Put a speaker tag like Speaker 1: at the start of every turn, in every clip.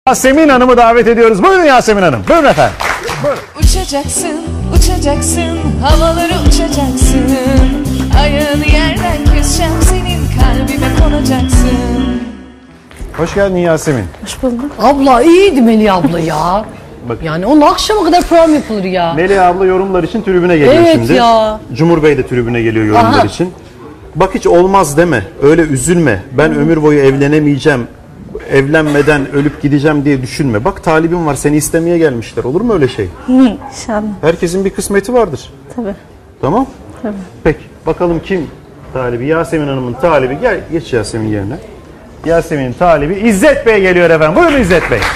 Speaker 1: Yasemin Hanım'ı davet ediyoruz. Buyurun Yasemin Hanım. Buyurun efendim. Buyurun.
Speaker 2: Uçacaksın, uçacaksın, havaları uçacaksın. Ayağını yerden keseceğim, senin kalbime konacaksın.
Speaker 1: Hoş geldin Yasemin.
Speaker 3: Hoş bulduk.
Speaker 4: Abla iyiydi Melih abla ya.
Speaker 1: Bak.
Speaker 4: Yani onun akşama kadar program yapılır ya.
Speaker 1: Melih abla yorumlar için tribüne geliyor
Speaker 4: Evet
Speaker 1: şimdi.
Speaker 4: ya.
Speaker 1: Cumhur Bey de tribüne geliyor yorumlar
Speaker 4: Aha.
Speaker 1: için. Bak hiç olmaz deme. Öyle üzülme. Ben ömür boyu evlenemeyeceğim. Evlenmeden ölüp gideceğim diye düşünme. Bak talibim var, seni istemeye gelmişler. Olur mu öyle şey?
Speaker 3: İnşallah.
Speaker 1: Herkesin bir kısmeti vardır.
Speaker 3: Tabii.
Speaker 1: Tamam?
Speaker 3: Tabii.
Speaker 1: Peki bakalım kim talibi? Yasemin Hanım'ın talibi. Gel geç Yasemin yerine. Yasemin'in talibi İzzet Bey geliyor efendim. Buyurun İzzet Bey.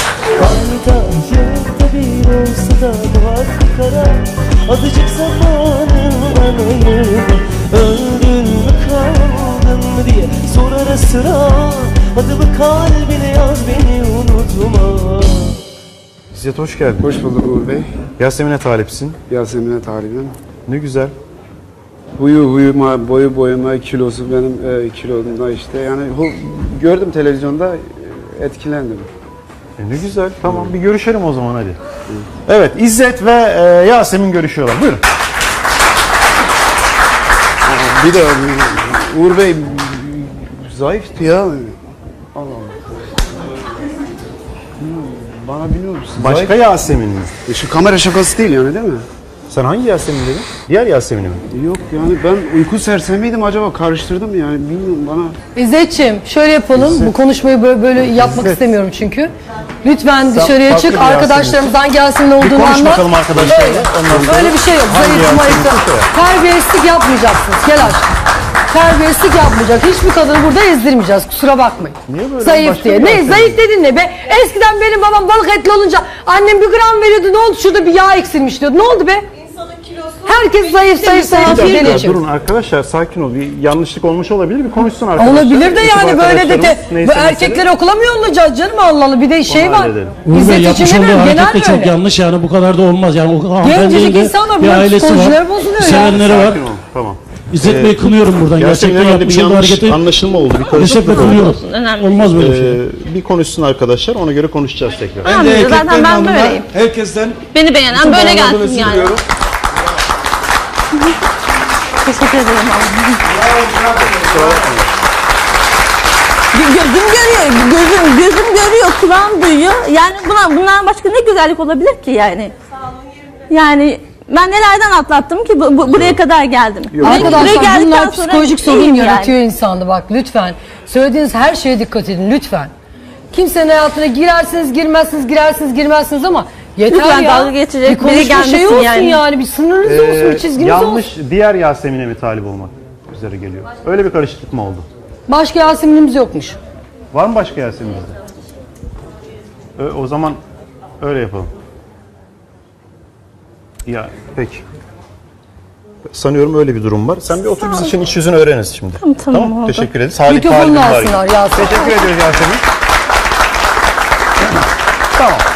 Speaker 5: Yılda bir olsa da var kara. Azıcık zamanından ayırma. Öldün mü kaldın mı diye sor ara sıra. Adımı kalbine yaz, beni unutma.
Speaker 1: İzzet hoş geldin.
Speaker 6: Hoş bulduk Uğur Bey.
Speaker 1: Yasemin'e talipsin.
Speaker 6: Yasemin'e talibim.
Speaker 1: Ne güzel.
Speaker 6: Huyu huyuma, boyu boyuma, kilosu benim kilomda işte. Yani gördüm televizyonda, etkilendim.
Speaker 1: Ne güzel. Tamam bir görüşelim o zaman hadi. Evet İzzet ve Yasemin görüşüyorlar. Buyurun.
Speaker 6: Bir de Uğur Bey zayıftı ya. Allah Allah. Bana biliyor musun?
Speaker 1: Başka Yasemin mi?
Speaker 6: Şu kamera şakası değil yani değil mi?
Speaker 1: Sen hangi Yasemin dedin? Diğer Yasemin'i mi?
Speaker 6: Yok yani ben uyku sersemiydim, acaba karıştırdım yani, bilmiyorum bana.
Speaker 4: İzzetciğim şöyle yapalım. Bu konuşmayı böyle yapmak istemiyorum çünkü. Lütfen dışarıya
Speaker 1: farklı
Speaker 4: çık.
Speaker 1: bir
Speaker 4: Arkadaşlarımızdan Yasemin olduğunu
Speaker 1: konuş
Speaker 4: anlat.
Speaker 1: bakalım arkadaşlarla.
Speaker 4: Öyle.
Speaker 1: Ondan sonra
Speaker 4: Böyle bir şey yok.
Speaker 1: hangi
Speaker 4: Zayıf
Speaker 1: Yasemin
Speaker 4: mayıf.
Speaker 1: bir şey yap.
Speaker 4: Terbiyesizlik yapmayacaksınız. Gel aşkım. Terbiyesizlik yapmayacak. Hiçbir kadını burada ezdirmeyeceğiz. Kusura bakmayın.
Speaker 1: Niye böyle?
Speaker 4: Zayıf
Speaker 1: Başka
Speaker 4: diye.
Speaker 1: bir
Speaker 4: Ne
Speaker 1: Yasemin.
Speaker 4: zayıf dedin ne be? Eskiden benim babam balık etli olunca annem 1 gram veriyordu. Ne oldu? Şurada bir yağ eksilmiş diyordu. Ne oldu be? Herkes zayıf
Speaker 1: Bir
Speaker 4: diye
Speaker 1: dakika,
Speaker 4: geçiyor.
Speaker 1: durun arkadaşlar sakin ol. Bir yanlışlık olmuş olabilir. Bir konuşsun arkadaşlar.
Speaker 4: Olabilir de
Speaker 1: Ekip
Speaker 4: yani böyle de
Speaker 1: arkadaşlarımız,
Speaker 4: bu
Speaker 1: neyse
Speaker 4: erkekleri okula mı yollayacağız canım, Allah Allah, bir de şey
Speaker 1: Onu
Speaker 4: var.
Speaker 1: halledelim.
Speaker 7: Uğur Bey
Speaker 4: İzzet
Speaker 7: yapmış
Speaker 4: için
Speaker 7: olduğu
Speaker 4: demiyorum,
Speaker 7: hareket de
Speaker 4: genel
Speaker 7: çok
Speaker 4: böyle.
Speaker 7: yanlış yani, bu kadar da olmaz yani. O hanımefendinin
Speaker 4: Gencecik
Speaker 7: de
Speaker 4: insanlar,
Speaker 7: bir
Speaker 4: bunların
Speaker 7: ailesi
Speaker 4: psikolojileri
Speaker 7: var,
Speaker 4: bozuluyor ya.
Speaker 7: sevenleri var.
Speaker 1: Sakin ol. Tamam.
Speaker 7: İzzet Bey kınıyorum buradan,
Speaker 1: Yasemin'le
Speaker 7: gerçekten
Speaker 1: herhalde bir
Speaker 7: yapmış olduğu
Speaker 1: yanlış
Speaker 7: hareketi
Speaker 1: anlaşılma oldu. Bir
Speaker 7: kesinlikle
Speaker 1: karışıklık oldu.
Speaker 7: kınıyorum.
Speaker 3: Önemli.
Speaker 7: Olmaz böyle bir şey.
Speaker 1: Bir konuşsun arkadaşlar, ona göre konuşacağız tekrar.
Speaker 3: Tamam, zaten ben böyleyim.
Speaker 6: Herkesten
Speaker 3: Beni beğenen böyle
Speaker 6: bağlandığını
Speaker 3: gelsin yani.
Speaker 6: siliyorum.
Speaker 3: Teşekkür ederim. Gözüm görüyor, kulağım duyuyor. Yani bundan başka ne güzellik olabilir ki yani? Yani ben nelerden atlattım ki buraya kadar geldim.
Speaker 4: Arkadaşlar bunlar
Speaker 3: sonra
Speaker 4: psikolojik sorun
Speaker 3: iyiyim
Speaker 4: yaratıyor insanda, bak lütfen. Söylediğiniz her şeye dikkat edin lütfen. Kimsenin hayatına girersiniz girmezsiniz, girersiniz girmezsiniz ama yeter
Speaker 3: Lütfen
Speaker 4: ya.
Speaker 3: dalga geçecek
Speaker 4: bir
Speaker 3: biri
Speaker 4: konuşma
Speaker 3: gelmesin
Speaker 4: şey olsun
Speaker 3: yani.
Speaker 4: yani. Bir sınırınız olsun, bir çizginiz
Speaker 1: yanlış
Speaker 4: olsun.
Speaker 1: diğer Yasemin'e mi talip olmak üzere geliyor? Öyle bir karışıklık mı oldu?
Speaker 4: Başka Yasemin'imiz yokmuş.
Speaker 1: Var mı başka Yasemin bizde? O zaman öyle yapalım. Ya peki. Sanıyorum öyle bir durum var. Sen bir otur, biz için iç yüzünü öğreniriz şimdi.
Speaker 3: Tamam, oldu.
Speaker 1: Teşekkür ederiz. Salih
Speaker 4: Mikrofonunu
Speaker 1: talibim var.
Speaker 4: alsınlar Yasemin.
Speaker 1: Teşekkür ediyoruz Yasemin. Tamam.